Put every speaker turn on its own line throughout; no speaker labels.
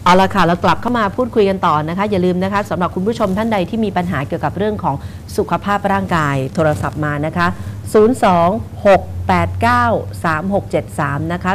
เอาละค่ะเรากลับเข้ามาพูดคุยกันต่อนะคะอย่าลืมนะคะสำหรับคุณผู้ชมท่านใดที่มีปัญหาเกี่ยวกับเรื่องของสุขภาพร่างกายโทรศัพท์มานะคะ026893673นะคะ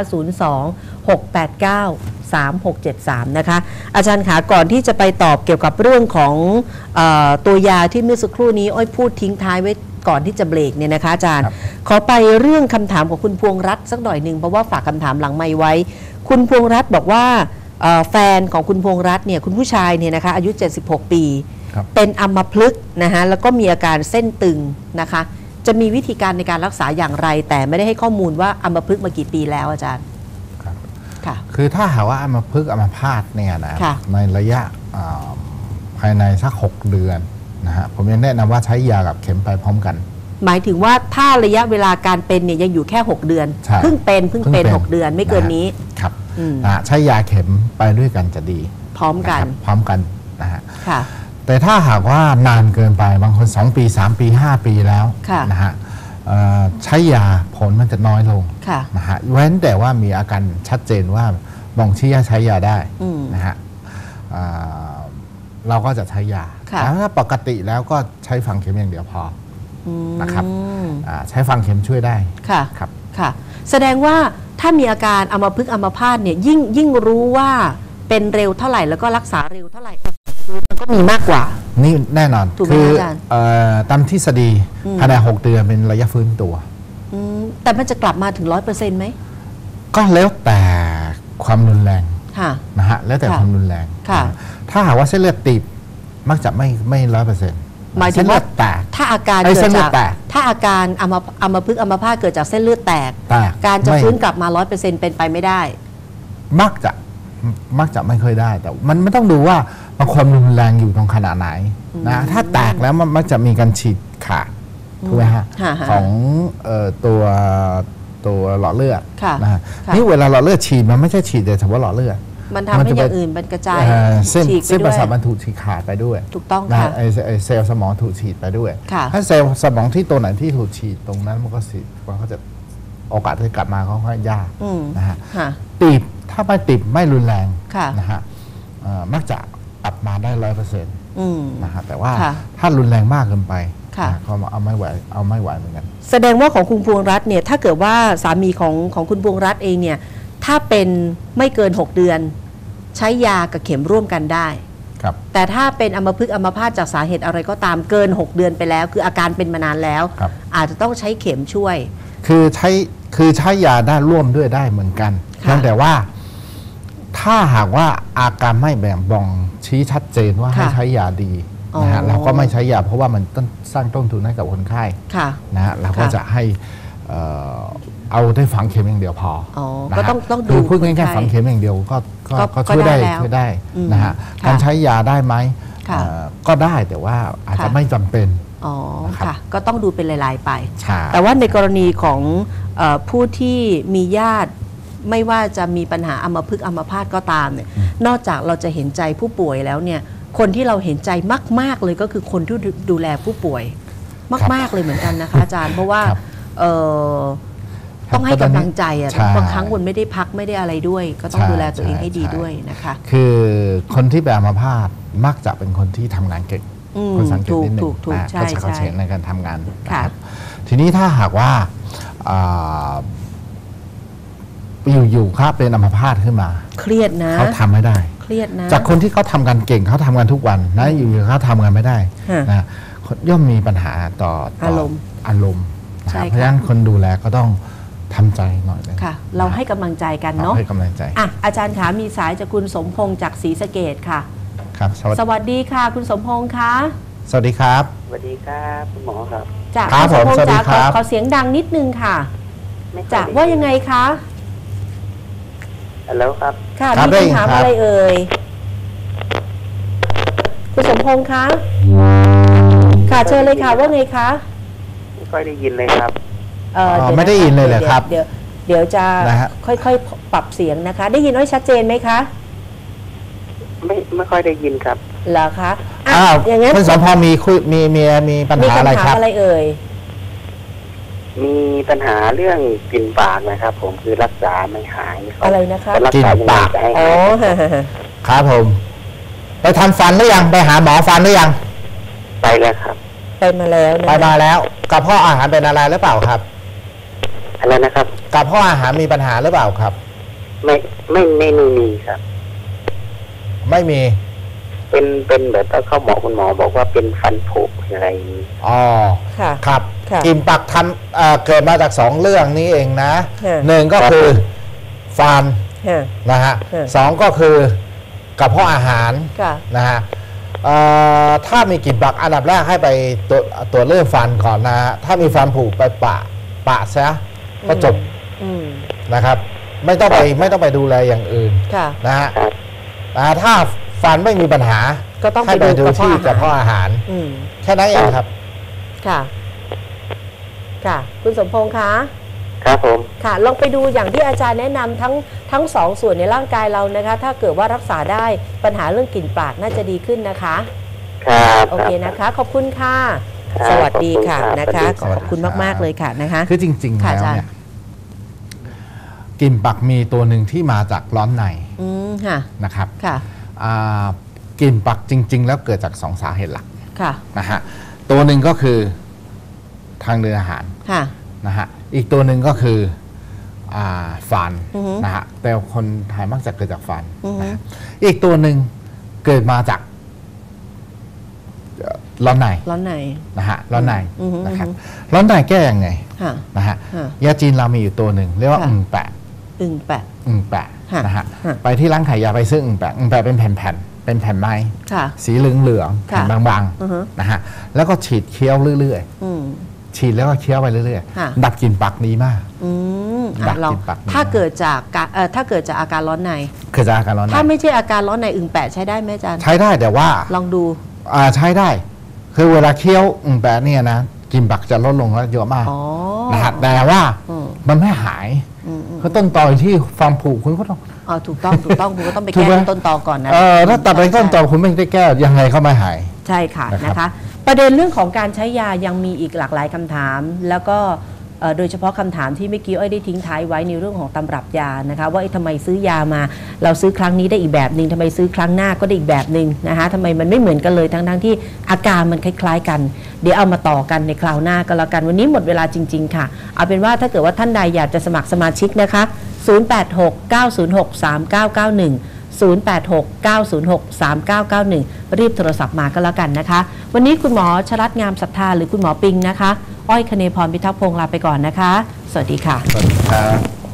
026893673นะคะอาจารย์ขาก่อนที่จะไปตอบเกี่ยวกับเรื่องของตัวยาที่เมื่อสักครู่นี้อ้อยพูดทิ้งท้ายไว้ก่อนที่จะเบรกเนี่ยนะคะอาจารย์ขอไปเรื่องคำถามของคุณพวงรัตน์สักหน่อยหนึ่งเพราะว่าฝากคำถามหลังไมค์ไว้คุณพวงรัตน์บอกว่าแฟนของคุณพวงรัตน์เนี่ยคุณผู้ชายเนี่ยนะคะอายุ76ปีเป็นอัมพฤกษ์นะคะแล้วก็มีอาการเส้นตึงนะคะจะมีวิธีการในการรักษาอย่างไรแต่ไม่ได้ให้ข้อมูลว่าอัมพฤกษ์มากี่ปีแล้วอาจารย์ค่ะ
คือถ้าหากว่าอัมพฤกษ์อัมพาตเนี่ยนะในระยะภายในสัก6 เดือนนะฮะผมยังแนะนำว่าใช้ยากับเข็มไปพร้อมกัน
หมายถึงว่าถ้าระยะเวลาการเป็นเนี่ยยังอยู่แค่6 เดือนเพิ่งเป็น6 เดือนไม่เกินนี้
ครับใช้ยาเข็มไปด้วยกันจะดี
พร้อมกัน
นะฮะแต่ถ้าหากว่านานเกินไปบางคน2 ปี 3 ปี 5 ปีแล้วนะฮะใช้ยาผลมันจะน้อยลงนะฮะเว้นแต่ว่ามีอาการชัดเจนว่าบ่งชี้ใช้ยาได้นะฮะเราก็จะใช้ยาแต่ถ้าปกติแล้วก็ใช้ฝังเข็มอย่างเดียวพอนะครับใช้ฝังเข็มช่วยได้
ค่ะ
ครับ
ค่ะแสดงว่าถ้ามีอาการอัมพฤกษ์อัมพาตเนี่ยยิ่งรู้ว่าเป็นเร็วเท่าไหร่แล้วก็รักษาเร็วเท่าไหร่มันก็มีมากกว่า
นี่แน่นอนคือตามทฤษฎีภายใน6 เดือนเป็นระยะฟื้นตัว
แต่มันจะกลับมาถึง100%ไหม
ก็แล้วแต่ความรุนแรงนะฮะแล้วแต่ความรุนแรงถ้าหากว่าเส้นเลือดตีบมักจะไม่100%
หมายถึงว่าถ้าอาการเกิดจากถ้าอาการอัมพฤกษ์อัมพาตเกิดจากเส้นเลือดแตกการจะฟื้นกลับมา100%เป็นไปไม่ได้
มักจะไม่ค่อยได้แต่มันต้องดูว่าความรุนแรงอยู่ตรงขนาดไหนนะถ้าแตกแล้วมันมักจะมีการฉีดขาดถูกไหมฮะของตัวหลอดเลือดนะฮะนี่เวลาหลอดเลือดฉีดมันไม่ใช่ฉีดแต่เฉพาะหลอดเลือด
มันทำให้อย่างอื่นมันกระจาย
เส้นประสาทมันถูกฉีดขาดไปด้วย
ถูกต้องค่ะ
เซลล์สมองถูกฉีดไปด้วยถ้าเซลล์สมองที่ตัวไหนที่ถูกฉีดตรงนั้นมันก็จะโอกาสที่กลับมาค่อนข้างยากนะฮะตีบถ้าไม่ติดไม่รุนแรงนะฮะมักจะกลับมาได้100%นะฮะแต่ว่าถ้ารุนแรงมากเกินไปเขาเอาไม่ไหวเหมือนกัน
แสดงว่าของคุณพวงรัตน์เนี่ยถ้าเกิดว่าสามีของคุณพวงรัตน์เองเนี่ยถ้าเป็นไม่เกิน6 เดือนใช้ยากับเข็มร่วมกันได้แต่ถ้าเป็นอัมพฤกษ์อัมพาตจากสาเหตุอะไรก็ตามเกิน6 เดือนไปแล้วคืออาการเป็นมานานแล้วอาจจะต้องใช้เข็มช่วย
คือใช้ยาได้ร่วมด้วยได้เหมือนกันแต่ว่าถ้าหากว่าอาการไม่แบ่งบ่งชี้ชัดเจนว่าให้ใช้ยาดีนะฮะเราก็ไม่ใช้ยาเพราะว่ามันต้องสร้างต้นทุนให้กับคนไข้นะฮะเราก็จะให้เอาได้ฝังเข็มอย่างเดียวพอ
ก็ต้องดู
พูดง่ายๆฝังเข็มอย่างเดียวก็ช่วยได้นะฮะการใช้ยาได้ไหมก็ได้แต่ว่าอาจจะไม่จำเป็น
ค่ะก็ต้องดูเป็นรายๆไปแต่ว่าในกรณีของผู้ที่มีญาติไม่ว่าจะมีปัญหาอัมพฤกษ์อัมพาตก็ตามเนี่ยนอกจากเราจะเห็นใจผู้ป่วยแล้วเนี่ยคนที่เราเห็นใจมากๆเลยก็คือคนที่ดูแลผู้ป่วยมากๆเลยเหมือนกันนะคะอาจารย์เพราะว่าต้องให้กำลังใจอ่ะบางครั้งคนไม่ได้พักไม่ได้อะไรด้วยก็ต้องดูแลตัวเองให้ดีด้วยนะคะ
คือคนที่เป็นอัมพาตมักจะเป็นคนที่ทำงานเก่งคนสังเกตนิดหนึ่งนะก็จะเขาเฉนในการทำงานนะครับทีนี้ถ้าหากว่าอยู่ๆครับเป็นอัมพาตขึ้นมา
เครียดนะ
เขาทำไม่ได้
เครียดนะ
จากคนที่เขาทำงานเก่งเขาทำงานทุกวันนะอยู่ๆเขาทำงานไม่ได้นะย่อมมีปัญหาต่ออารมณ์เพราะฉะนั้นคนดูแลก็ต้องทำใจหน่อยเลย
ค่ะเราให้กำลังใจกันเนาะ
ให้กำลังใจ
อาจารย์ขามีสายจากคุณสมพงษ์จากศรีสะเกษค่ะ
ครับ
สวัสดีค่ะคุณสมพงษ์คะ
สวัสดีครับ
สวัสดีครับคุณหมอครับ
จากคุณสมพงษ์จากขอเสียงดังนิดนึงค่ะจากว่ายังไงคะ
แล้วครับ
ค่ะมีคำถามอะไรเอ่ยคุณสมพงษ์คะค่ะเชิญเลยค่ะว่าไงคะ
ไม่ค่อยได้ยินเลยครับ
ไม่ได้ยินเลยเหรอครับ
เดี๋ยวจะค่อยๆปรับเสียงนะคะได้ยินไว้ชัดเจนไหมคะ
ไม่ค่อยได้ยินครับ
เหรอคะ
อย่างนั้นคุณสมพงษ์มีปัญหาอะไรครับ
อะไรเอ่ย
มีปัญหาเรื่องกลิ่นปากนะครับผมคือรักษาไม่หาย
อะไรนะคะ
รักษาปากให้
ครับผมไปทำฟันหรือยังไปหาหมอฟันหรือยัง
ไปแล้วครับ
ไปมาแล้วนะ
ไปมาแล้วกระเพาะอาหารเป็นอะไรหรือเปล่าครับ
อะไรนะครับ
กระเพาะอาหารมีปัญหาหรือเปล่าครับ
ไม่มีครับ
ไม่มี
เป็นแบบเข้าหมอคุณหมอบอกว่าเป็นฟันผุอะไร
อ๋อครับกินปักทำเกิดมาจาก2เรื่องนี้เองนะ1ก็คือฟันนะฮะ2ก็คือกระเพาะอาหารนะฮะถ้ามีกลิ่นปักอันดับแรกให้ไปตัวเรื่องฟันก่อนนะฮะถ้ามีฟันผุไปปะซะก็จบนะครับไม่ต้องไปดูแลอย่างอื่นนะฮะถ้าฟันไม่มีปัญหา
ก็ต้อง
ไปดูที่กระเพาะอาหารแค่นั้นเองครับ
ค่ะคุณสมพงษ์คะ
ครับผม
ค่ะลองไปดูอย่างที่อาจารย์แนะนำทั้งสองส่วนในร่างกายเรานะคะถ้าเกิดว่ารักษาได้ปัญหาเรื่องกลิ่นปากน่าจะดีขึ้นนะคะ
ครับ
โอเคนะคะขอบคุณค่ะสวัสดีค่ะนะคะขอบคุณมากๆเลยค่ะนะคะ
คือจริงๆแล้วเนี่ยกลิ่นปากมีตัวหนึ่งที่มาจากร้อนในนะครับกลิ่นปากจริงๆแล้วเกิดจาก2สาเหตุหลักนะฮะตัวหนึ่งก็คือทางเดินอาหารนะฮะอีกตัวหนึ่งก็คือฟันนะฮะแต่คนไทยมักจะเกิดจากฟันนะอีกตัวหนึ่งเกิดมาจากร้อนในนะฮะร้อนในนะครับร้อนในแก้ยังไงนะฮะยาจีนเรามีอยู่ตัวหนึ่งเรียกว่าอึ่งแปะนะฮะไปที่ร้านขายยาไปซื้ออึ่งแปะเป็นแผ่นเป็นแผ่นไม้สีเหลืองๆแผ่นบางๆนะฮะแล้วก็ฉีดเคี้ยวเรื่อยๆฉีดแล้วก็เคี้ยวไปเรื่อยๆดับกลิ่นปากดีมาก
ดับกลิ่นปากถ้าเกิดจากอาการร้อนใน
เกิดจากอาการร้อนใน
ถ้าไม่ใช่อาการร้อนในอึ่งแปะใช้ได้ไหมอาจารย์
ใช้ได้แต่ว่า
ลองดู
ใช้ได้คือเวลาเคี้ยวอึ่งแปะเนี่ยนะกลิ่นปากจะลดลงแล้วเยอะมากนะฮะแต่ว่ามันไม่หายคือต้นตอที่ฟันผุคุณก็ต้อง
ถูกต้องคุณก็ต้องไปแก้ต้นตอก่อนนะ
ถ้าตัดไปต้นตอคุณไม่ได้แก้ยังไงก็ไม่หาย
ใช่ค่ะนะคะประเด็นเรื่องของการใช้ยายังมีอีกหลากหลายคำถามแล้วก็โดยเฉพาะคำถามที่เมื่อกี้อ้อยได้ทิ้งท้ายไว้ในเรื่องของตำรับยานะคะว่าทำไมซื้อยามาเราซื้อครั้งนี้ได้อีกแบบหนึ่งทำไมซื้อครั้งหน้าก็ได้อีกแบบหนึ่งนะคะทำไมมันไม่เหมือนกันเลยทั้งที่อาการมันคล้ายๆกันเดี๋ยวเอามาต่อกันในคราวหน้าก็แล้วกันวันนี้หมดเวลาจริงๆค่ะเอาเป็นว่าถ้าเกิดว่าท่านใดอยากจะสมัครสมาชิกนะคะ0869063991 0869063991 รีบโทรศัพท์มาก็แล้วกันนะคะวันนี้คุณหมอชรัตน์งามศรัทธาหรือคุณหมอปิงนะคะอ้อยคเนพรพิทักษ์พงษ์ลาไปก่อนนะคะสวัสดีค่ะ
สวัสดีครับ